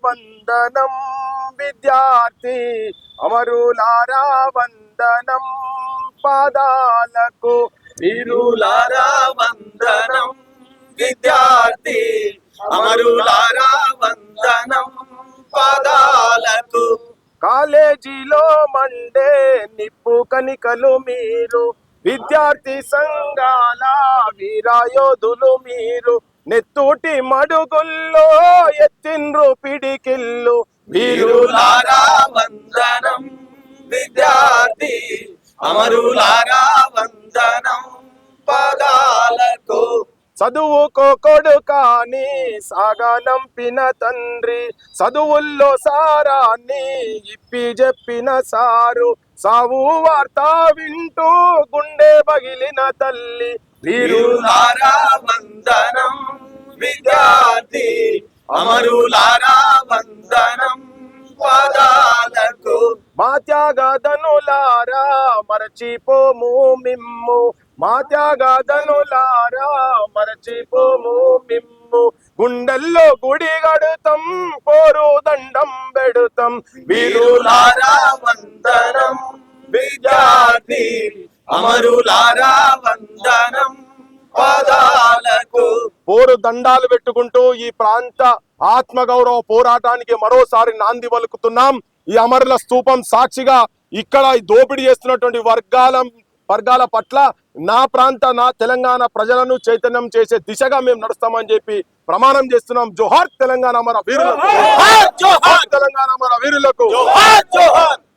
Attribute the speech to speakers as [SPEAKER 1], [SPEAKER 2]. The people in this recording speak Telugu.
[SPEAKER 1] వందనం విద్యార్థి అమరులారా వందనం పాదాలకు
[SPEAKER 2] వీరులారా వందనం విద్యార్థి అమరులారా వందనం పాదాలకు
[SPEAKER 1] కాలేజీలో మండే నిప్పు కనికలు మీరు విద్యార్థి సంఘాల వీరాయోధులు మీరు నెత్తూటి మడుగుల్లో ఎత్తిండ్రు పిడికిల్లు
[SPEAKER 2] వీరులారా వందనం విద్యార్థి అమరులారా వందనం పాదాలకు
[SPEAKER 1] చదువుకో కొడుకాని సాగనంపిన తండ్రి చదువుల్లో సారాన్ని ఇప్పి చెప్పిన సారు సావు వార్త వింటూ గుండె పగిలిన తల్లి
[SPEAKER 2] వీరులారా వందనం విద్యార్థి అమరులారా వందనం పాదాలకు
[SPEAKER 1] మా త్యాగధనులారా మరచిపోము మిమ్ము మా త్యాగధనులారా మరచిపోము మిమ్ము గుండెల్లో గుడి గడుతాం కోరు దండం పెడుతాం
[SPEAKER 2] వీరులారా వందనం విద్యార్థి అమరులారా వందనం పాదాలకు
[SPEAKER 1] పోరు దండాలు పెట్టుకుంటూ ఈ ప్రాంత ఆత్మగౌరవ పోరాటానికి మరోసారి నాంది పలుకుతున్నాం. ఈ అమరుల స్తూపం సాక్షిగా ఇక్కడ దోపిడీ చేస్తున్నటువంటి వర్గాల పట్ల నా తెలంగాణ ప్రజలను చైతన్యం చేసే దిశగా మేము నడుస్తామని చెప్పి ప్రమాణం చేస్తున్నాం. జోహార్ తెలంగాణ అమర వీరులకు, తెలంగాణ అమర వీరులకు.